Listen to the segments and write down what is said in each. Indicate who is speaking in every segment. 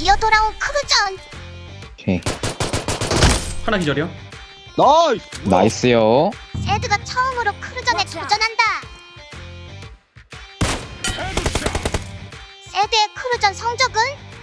Speaker 1: 기어 돌아온 크루전.
Speaker 2: 오케이.
Speaker 3: 하나 기절이요.
Speaker 4: 나이스.
Speaker 2: 나이스요.
Speaker 1: 세드가 처음으로 크루전에 도전한다. 세드의 크루전 성적은?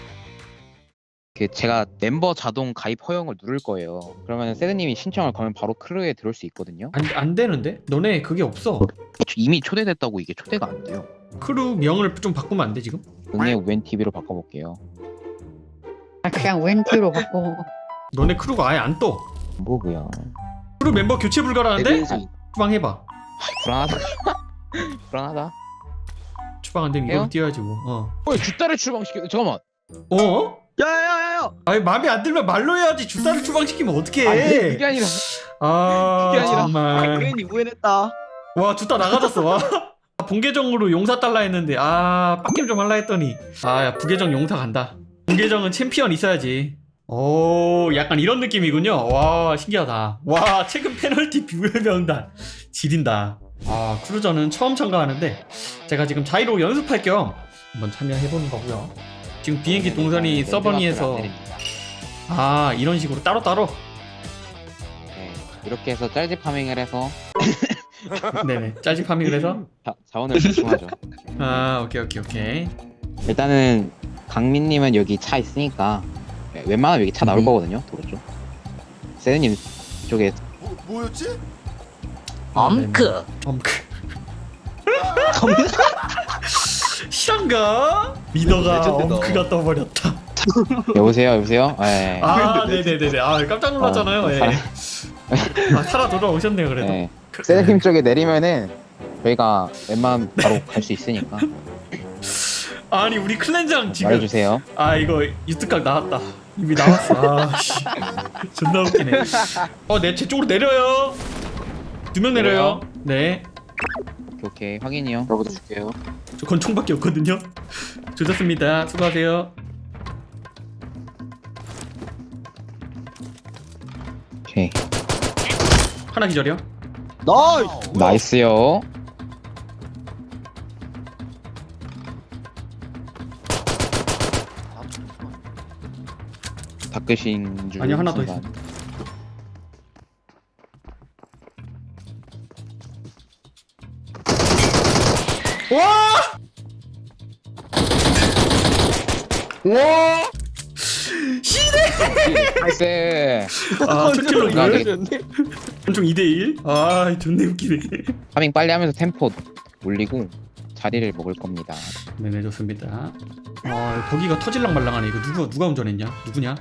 Speaker 2: 제가 멤버 자동 가입 허용을 누를 거예요. 그러면 세드님이 신청을 걸면 바로 크루에 들어올 수 있거든요.
Speaker 3: 안 되는데? 너네 그게 없어.
Speaker 2: 이미 초대됐다고 이게 초대가 안 돼요.
Speaker 3: 크루 명을 좀 바꾸면 안 돼 지금?
Speaker 2: 응애 웬 TV로 바꿔볼게요.
Speaker 5: 그냥 웬티로 바꿔.
Speaker 3: 너네 크루가 아예 안 떠.
Speaker 2: 뭐고요?
Speaker 3: 크루 멤버 교체 불가라는데?
Speaker 4: 에벤지.
Speaker 3: 추방 해봐.
Speaker 2: 불안하다. 불안하다.
Speaker 3: 추방 안 되면
Speaker 2: 해요?
Speaker 3: 이걸로 뛰어야지 뭐.
Speaker 2: 주따를 출방시켜. 잠깐만.
Speaker 3: 어?
Speaker 4: 야야야야.
Speaker 3: 아니 마음에 안 들면 말로 해야지. 주사를 추방시키면 어떡해.
Speaker 2: 아니 그게 아니라.
Speaker 3: 아
Speaker 2: 그게 아니라.
Speaker 3: 정말.
Speaker 4: 그랜이 우연했다.
Speaker 3: 와 주사 나가졌어. 와. 본계정으로 용사 달라 했는데 빡겜 좀 할라 했더니 야 부계정 용사 간다. 본계정은 챔피언 있어야지. 오 약간 이런 느낌이군요. 와 신기하다. 와 최근 페널티 비밀명단 지린다. 크루저는 처음 참가하는데 제가 지금 자이로 연습할 겸 한번 참여해보는 거고요. 지금 비행기 동선이 서버니에서 이런 식으로 따로따로.
Speaker 2: 네, 이렇게 해서 짤집 파밍을 해서
Speaker 3: 네네 짤집 파밍을 해서
Speaker 2: 자원을 집중하죠.
Speaker 3: 오케이.
Speaker 2: 일단은 강민님은 여기 차 있으니까 웬만하면 여기 차 나올 거거든요. 도로 쪽. 세드님 쪽에
Speaker 6: 뭐였지?
Speaker 3: 엄크 실한가? 리더가
Speaker 4: 레전드다.
Speaker 3: 엄크가 떠버렸다.
Speaker 2: 여보세요. 네.
Speaker 3: 네네네네. 깜짝 놀랐잖아요. 예. 살아 돌아오셨네요 그래도.
Speaker 2: 네. 세드님 쪽에 내리면은 저희가 웬만하면 바로 갈 수 있으니까
Speaker 3: 아니 우리 클렌장 지금
Speaker 2: 말해주세요.
Speaker 3: 이거 유튜브각 나왔다. 이미 나왔어. 씨. 존나 웃기네. 제 쪽으로 내려요. 2명 내려요. 네.
Speaker 2: 오케이 확인이요.
Speaker 4: 저부터 줄게요.
Speaker 3: 저 권총밖에 없거든요. 좋습니다. 수고하세요.
Speaker 2: 오케이
Speaker 3: 하나 기절이요.
Speaker 4: 나이스.
Speaker 2: 나이스요. 닦으신 줄.
Speaker 3: 아니요, 하나 더
Speaker 2: 순간. 나이스.
Speaker 3: 첫 킬로
Speaker 2: 아, 네.
Speaker 3: 이걸. 권총 2대1. 존나 웃기네.
Speaker 2: 파밍 빨리 하면서 템포 올리고 자리를 먹을 겁니다.
Speaker 3: 네네 좋습니다. 거기가 터질랑 말랑하네. 이거 누가 운전했냐? 누구냐?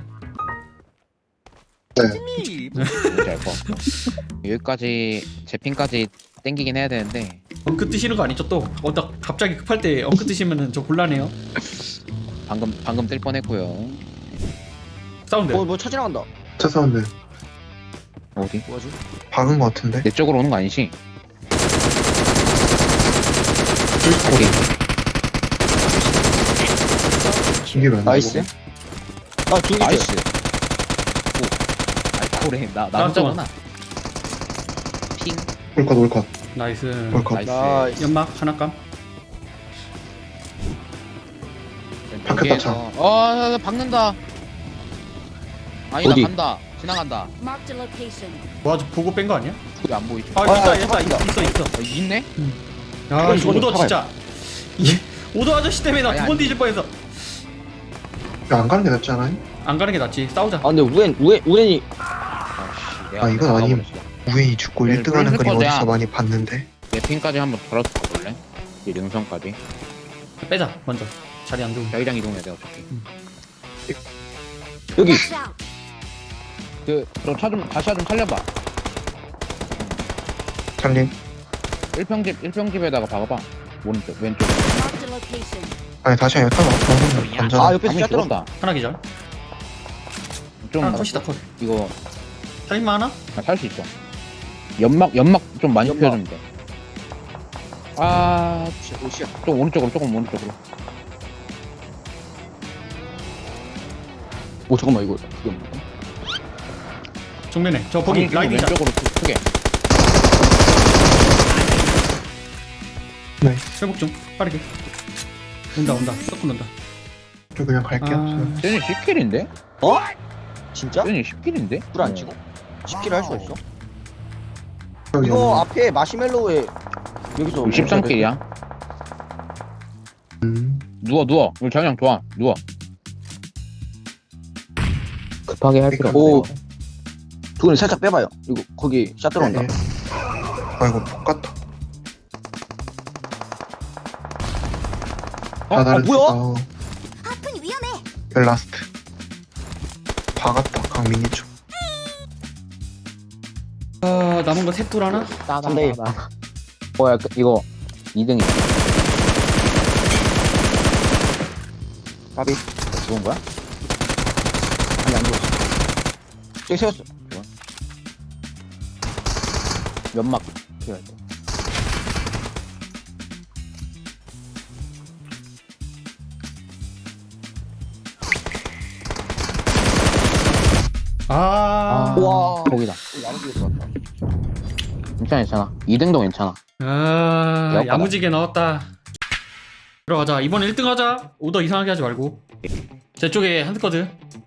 Speaker 2: 뭔지 알 것 같고. 여기까지 제 핀까지 땡기긴 해야 되는데
Speaker 3: 엉크 뜨시는 거 아니죠 또? 나 갑자기 급할 때 엉크 뜨시면은 저 곤란해요.
Speaker 2: 방금 뜰 뻔했고요.
Speaker 3: 사운드.
Speaker 4: 뭐 차 지나간다.
Speaker 6: 차 사운드
Speaker 2: 어디?
Speaker 4: 뭐지?
Speaker 6: 박은 거 같은데?
Speaker 2: 내 쪽으로 오는 거 아니지? 오케이.
Speaker 6: 이게 왜 안
Speaker 4: 나이스.
Speaker 6: 나오고?
Speaker 4: 중기
Speaker 2: 나이스. 오. 알코올에 나 혼자구나. 핑.
Speaker 6: 올컷
Speaker 3: 나이스.
Speaker 6: 올컷
Speaker 2: 나이스.
Speaker 4: 나이스.
Speaker 3: 연막 하나 감.
Speaker 6: 바뀌었다, 차.
Speaker 2: 나 박는다. 아니
Speaker 4: 어디?
Speaker 2: 나 간다. 지나간다.
Speaker 1: Marked a location.
Speaker 3: 와, 저 보고 뺀 거 아니야?
Speaker 2: 그게 안 보이죠?
Speaker 3: 있어.
Speaker 2: 있네?
Speaker 3: 야,
Speaker 4: 이거
Speaker 3: 오더
Speaker 4: 잡아요.
Speaker 3: 진짜. 오더 아저씨 때문에 나
Speaker 2: 아니,
Speaker 3: 2번
Speaker 2: 아니.
Speaker 3: 뒤질 뻔했어.
Speaker 6: 안 가는 게 낫지 않아요?
Speaker 3: 안 가는 게 낫지. 싸우자.
Speaker 4: 근데 우연이
Speaker 6: 아, 이건 아님. 우연히 죽고
Speaker 2: 네,
Speaker 6: 1등 하는 그림
Speaker 2: 꿀 거야.
Speaker 6: 어디서 많이 봤는데
Speaker 2: 내 핀까지 한번 걸어서 가볼래? 이 능선까지.
Speaker 3: 빼자. 먼저. 자리 안 좋은.
Speaker 2: 자기장 이동해야 돼 어차피.
Speaker 4: 여기.
Speaker 1: Watch out.
Speaker 2: 그럼 다시 좀 살려봐.
Speaker 6: 살림.
Speaker 2: 1평집에다가 박아봐. 오른쪽 왼쪽.
Speaker 1: Marked a location.
Speaker 6: 아니 다시 약간 없어 완전
Speaker 4: 옆에
Speaker 2: 방이
Speaker 4: 샷
Speaker 2: 들었다.
Speaker 3: 하나 기절.
Speaker 2: 좀
Speaker 3: 하나 컷이다 컷.
Speaker 2: 이거
Speaker 3: 살인마 하나?
Speaker 2: 살 수 있어. 연막 좀 많이
Speaker 4: 연막.
Speaker 2: 피워주면 돼.
Speaker 4: 오시야.
Speaker 2: 조금 오른쪽으로.
Speaker 4: 오 잠깐만 이거 그게 없나?
Speaker 3: 정면에. 저 거기 라이딩 자.
Speaker 2: 왼쪽으로 크게.
Speaker 6: 네.
Speaker 3: 회복 좀 빠르게. 온다. 썩고 논다.
Speaker 6: 저 그냥 갈게요.
Speaker 3: 아,
Speaker 2: 세준이 10킬인데?
Speaker 4: 어? 진짜?
Speaker 2: 세준이 10킬인데?
Speaker 4: 불안 치고? 10킬 할 수가 있어?
Speaker 6: 저
Speaker 4: 이거 앞에 마시멜로우에 여기서
Speaker 2: 13킬이야. 누워. 우리 자기장 좋아. 누워.
Speaker 4: 급하게 할
Speaker 6: 필요
Speaker 4: 오.
Speaker 6: 없네.
Speaker 4: 두근이 살짝 빼봐요. 이거 거기 샷 들어온다.
Speaker 6: 네. 아이고 똑같다.
Speaker 4: 뭐야?
Speaker 1: 하프니 위험해.
Speaker 6: 라스트. 박았다 강민이 쪽.
Speaker 3: 남은 거 셋둘 하나?
Speaker 4: 3대1.
Speaker 2: 야, 이거 2등이야.
Speaker 4: 까비.
Speaker 2: 죽은 거야?
Speaker 4: 아니 안 죽었어. 저기 세웠어.
Speaker 2: 연막 필요할 때.
Speaker 3: 아,
Speaker 4: 우와.
Speaker 2: 거기다.
Speaker 4: 야무지게 들어왔다.
Speaker 2: 괜찮아. 2등도 괜찮아.
Speaker 3: 아, 야무지게 나왔다. 들어가자. 이번 1등 하자. 오더 이상하게 하지 말고. 제 쪽에 한 스쿼드.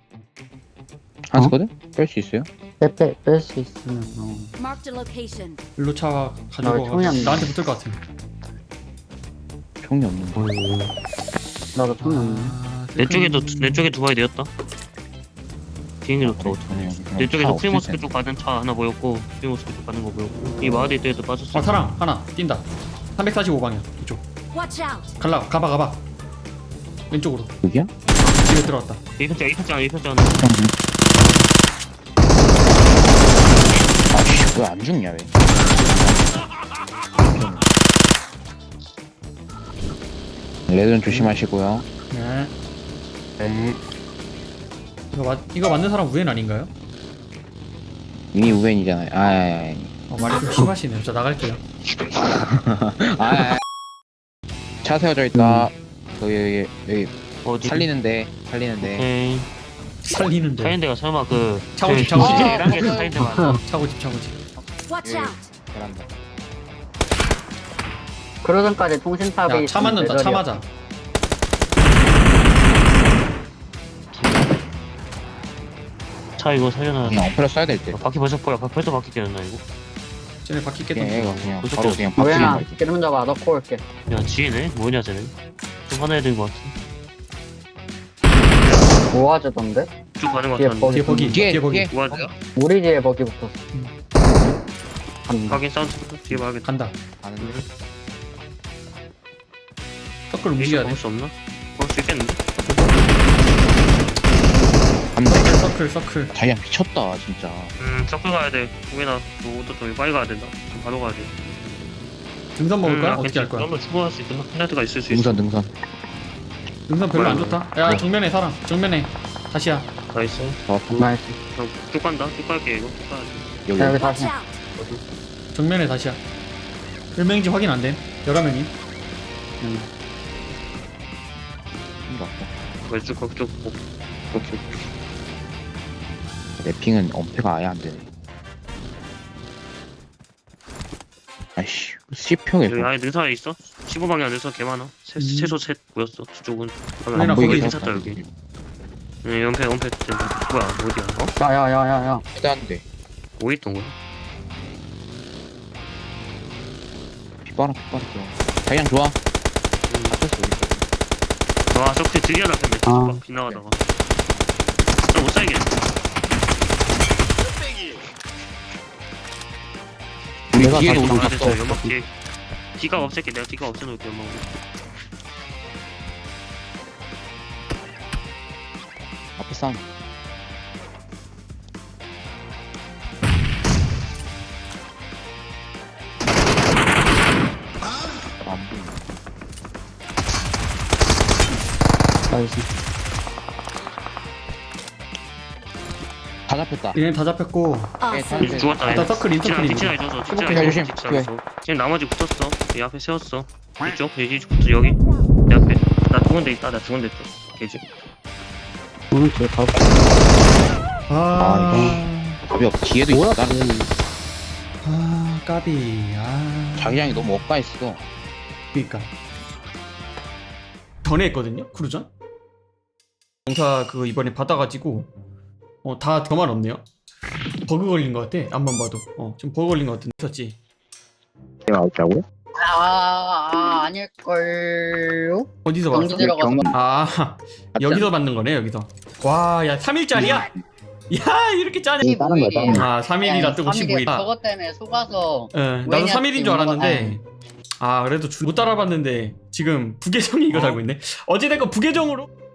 Speaker 2: 한스거든? 뺄 수 있어요?
Speaker 5: 뺄 수 있으면
Speaker 1: Marked a location.
Speaker 3: 일로 차 가지고
Speaker 5: 나 총이 안
Speaker 3: 나한테 붙을 것 같아.
Speaker 2: 총이 없는데.
Speaker 5: 나도 총이 없네.
Speaker 3: 아,
Speaker 7: 내 쪽에 두 바이 내었다. 비행기 좋다. 내 쪽에서 프리모스크 쪽 가는 차 하나 보였고 프리모스크 쪽 가는 거 보였고 이 마을에 때에도 빠졌어.
Speaker 3: 사람 하나 뛴다. 345방향 이쪽.
Speaker 1: Watch out.
Speaker 3: 가봐. 왼쪽으로.
Speaker 2: 여기야?
Speaker 3: 집에 들어왔다.
Speaker 7: 이편장
Speaker 2: 아씨, 왜 안 죽냐, 왜? 레드는 조심하시고요.
Speaker 3: 네. 이거 맞는 사람 우엔 아닌가요?
Speaker 2: 이미 우벤이잖아요.
Speaker 3: 말이 좀 심하시네요. 저 나갈게요.
Speaker 2: 차 세워져 있다. 여기
Speaker 7: 어디?
Speaker 2: 살리는데.
Speaker 7: 오케이.
Speaker 3: 살리는데.
Speaker 7: 살인데가 설마 그
Speaker 3: 차고집.
Speaker 7: 이란 게 살인데가
Speaker 3: 차고집.
Speaker 1: Watch out.
Speaker 2: 베란다.
Speaker 5: 그러전까지 통신탑이
Speaker 3: 야, 차 맞는다. 차 맞아.
Speaker 7: 차 이거 살려놔.
Speaker 2: 그냥 어플을 써야 될 때.
Speaker 7: 바퀴 벌써 바퀴 깨졌나 이거?
Speaker 3: 쟤네 바퀴
Speaker 2: 그냥
Speaker 3: 깼던
Speaker 2: 이거
Speaker 3: 거.
Speaker 2: 그냥
Speaker 7: 무슨
Speaker 2: 바로
Speaker 7: 뜻?
Speaker 2: 그냥 바뀌는
Speaker 5: 우연아
Speaker 2: 거지.
Speaker 5: 기름 잡아 넣고 올게.
Speaker 7: 야 지혜네? 뭐냐 쟤네? 좀 화내야 되는 거 같아.
Speaker 5: 모아주던데?
Speaker 7: 쭉 가는 거
Speaker 5: 뒤에
Speaker 7: 같았는데.
Speaker 5: 버기.
Speaker 3: 뒤에 버기.
Speaker 2: 뒤에,
Speaker 3: 뒤에 버기.
Speaker 2: 뒤에.
Speaker 7: 뭐하세요?
Speaker 5: 우리 집에 버기 붙었어. 간다.
Speaker 7: 확인 사운드 뒤에 봐야겠다.
Speaker 3: 간다.
Speaker 2: 가는데.
Speaker 3: 서클
Speaker 7: 이거
Speaker 3: 움직여야 돼.
Speaker 7: 먹을 수 없나? 먹을 수 있겠는데?
Speaker 2: 간다.
Speaker 3: 서클.
Speaker 2: 자기야 미쳤다 진짜.
Speaker 7: 서클 가야 돼. 공연아, 너또 저기 빨리 가야 된다. 지금 바로 가야 돼.
Speaker 3: 등산 먹을 거야? 어떻게 할 거야?
Speaker 7: 한번 추가할 수 있구나. 플라이트가 있을 수 있어.
Speaker 2: 능선.
Speaker 3: 등산 별로 안 좋다. 야,
Speaker 2: 네.
Speaker 3: 정면에 사람. 정면에. 다시야.
Speaker 7: 다 있어.
Speaker 5: 나이스.
Speaker 7: 그럼 쭉 간다. 쭉 갈게 이거. 쭉 가야지.
Speaker 2: 여기.
Speaker 5: 자, 여기
Speaker 1: Watch
Speaker 5: 다시.
Speaker 1: out.
Speaker 3: 정면에 다시야. 1명인지 확인 안 됨. 여러 명이.
Speaker 7: 그래 쭉 가. 쭉. 오케이.
Speaker 2: 래핑은 엄폐가 아예 안 되네. 아이씨, C평에
Speaker 7: 여기 아예 능사에 있어? 15방향 능사 개 많아. 최소 셋 보였어. 저쪽은.
Speaker 3: 우리랑
Speaker 2: 안
Speaker 3: 거기
Speaker 2: 보이게
Speaker 7: 괜찮다 여기. 연패. 뭐야 어디야? 어?
Speaker 5: 야야야야야.
Speaker 2: 해단데.
Speaker 7: 뭐 있던 거야?
Speaker 2: 빗바람. 자기장 좋아.
Speaker 7: 와 저렇게 드디어 잡혔네.
Speaker 5: 아.
Speaker 7: 빗나가다가. 저못 살겠네.
Speaker 2: 우리
Speaker 5: 내가
Speaker 2: 뒤에도
Speaker 5: 다시
Speaker 2: 오고
Speaker 7: 아,
Speaker 2: 있어.
Speaker 7: 됐어. 연막 뒤에. 뒤가 없앨게. 내가 뒤가 없애놓을게 연막으로.
Speaker 2: 앞에 싸움. 안 보이네.
Speaker 5: 나이스.
Speaker 2: 다 잡혔다.
Speaker 3: 얘네 다 잡혔고.
Speaker 1: Awesome.
Speaker 7: 죽었다.
Speaker 3: 일단 서클 인터플레이.
Speaker 7: 뒤치나 있어서.
Speaker 2: 조심.
Speaker 7: 있어. 지금 나머지 붙었어. 이 앞에 세웠어. 이쪽 돼지부터 여기. 내 앞에. 나 죽은 데 있다. 돼지.
Speaker 5: 오른쪽에 바로.
Speaker 2: 답이 없. 뒤에도 있어.
Speaker 3: 까비.
Speaker 2: 자기장이 너무 엇가있어.
Speaker 3: 그니까. 전에 했거든요? 크루전? 용사 그거 이번에 받아가지고 다 저만 없네요. 버그 걸린 것 같아. 앞만 봐도 좀 버그 걸린 것 같은데 있었지.
Speaker 4: 내가 없다고요?
Speaker 8: 아닐걸요?
Speaker 3: 어디서
Speaker 8: 경기
Speaker 3: 봤어?
Speaker 8: 들어가서
Speaker 3: 아 여기서 받는 거네 여기서. 와 야 3일짜리야? 야 이렇게 짜네.
Speaker 4: 다른 거야, 다른 거.
Speaker 3: 아 3일이라 뜨고 15일.
Speaker 8: 저것 때문에 속아서
Speaker 3: 나도
Speaker 8: 왜냐,
Speaker 3: 3일인 줄 알았는데 그래도 못 따라봤는데 지금 부계정이 이거 달고 있네. 어찌됐건 부계정으로